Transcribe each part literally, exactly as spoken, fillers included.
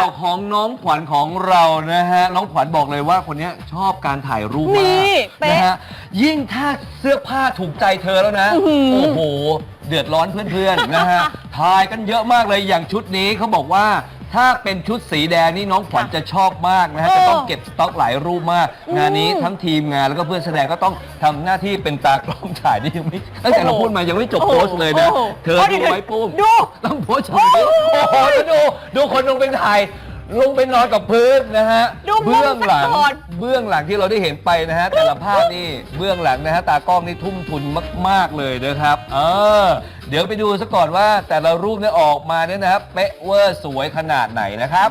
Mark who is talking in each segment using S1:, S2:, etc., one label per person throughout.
S1: าวของน้องขวัญของเรานะฮะน้องขวัญบอกเลยว่าคนนี้ชอบการถ่ายรูปมากนะฮะยิ่งถ้าเสื้อผ้าถูกใจเธอแล้วนะโอ้โหเดือดร้อนเพื่อนๆนะฮะถ่ายกันเยอะมากเลยอย่างชุดนี้เขาบอกว่าถ้าเป็นชุดสีแดงนี่น้องขวัญจะชอบมากนะฮะจะต้องเก็บสต็อกหลายรูปมากงานนี้ทั้งทีมงานแล้วก็เพื่อนแสดงก็ต้องทำหน้าที่เป็นตากล้องถ่ายนี่ยังไม่ตั้งแต่เราพูดมายังไม่จบโพสต์เลยนะเธอดูไว้ปุ้มดูต้องโพสต์อย่างนี้โอ้โหแล้วดูดูคนลงไปถ่ายลงไปนอนกับพื้นนะฮะเบื้องหลังเบื้องหลังที่เราได้เห็นไปนะฮะแต่ละภาพนี่เบื้องหลังนะฮะตากล้องนี่ทุ่มทุนมากๆเลยนะครับเออเดี๋ยวไปดูซะก่อนว่าแต่ละรูปเนี่ยออกมาเนี่ยนะครับเป๊ะเวอร์สวยขนาดไหนนะครับ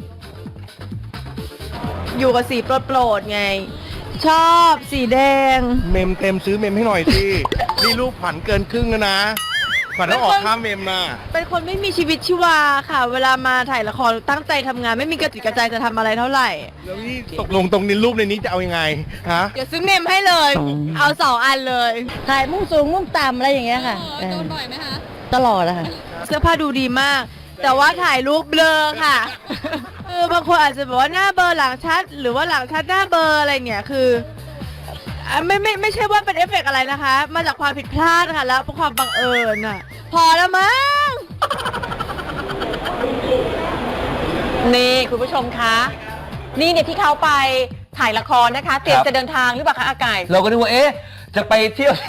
S2: อยู่กับสีโปรดๆไงชอบสีแดง
S3: เมมเต็มซื้อเมมให้หน่อยสินี่รูปขวัญเกินครึ่งแล้วนะขวัญต้องออกค่าเมมนะ
S2: เป็นคนไม่มีชีวิตชีวาค่ะ เวลามาถ่ายละครตั้งใจทำงานไม่มีกระติกกระใจจะทำอะไรเท่าไหร่
S3: แล้วนี่ตกลงตรงนี้รูปในนี้จะเอายังไงฮะ
S2: เดี๋ยวซื้อเมมให้เลย เอาสองอันเลย
S4: ถ่ายมุ่งสูงมุ่งต่ำอะไรอย่างเงี้ยค่ะ
S5: โดนบ่อยไหมคะ
S4: ตลอดอะค่ะ
S2: เสื้อผ้าดูดีมาก แต่ว่าถ่ายรูปเบลอค่ะเออบางคนอาจจะบอกว่าหน้าเบลอหลังชัด หรือว่าหลังชัดหน้าเบลออะไรเนี่ยคือไม่ไม่ไม่ใช่ว่าเป็นเอฟเฟกต์อะไรนะคะ มาจากความผิดพลาดค่ะแล้วความบังเอิญอ่ะพอแล้วมั้ง
S5: นี่คุณผู้ชมคะนี่เนี่ยที่เขาไปถ่ายละครนะคะเตรียมจะเดินทางหรือเปล่าคะอากาย
S1: เราก็นึกว่าเอ๊ะจะไปเที่ยว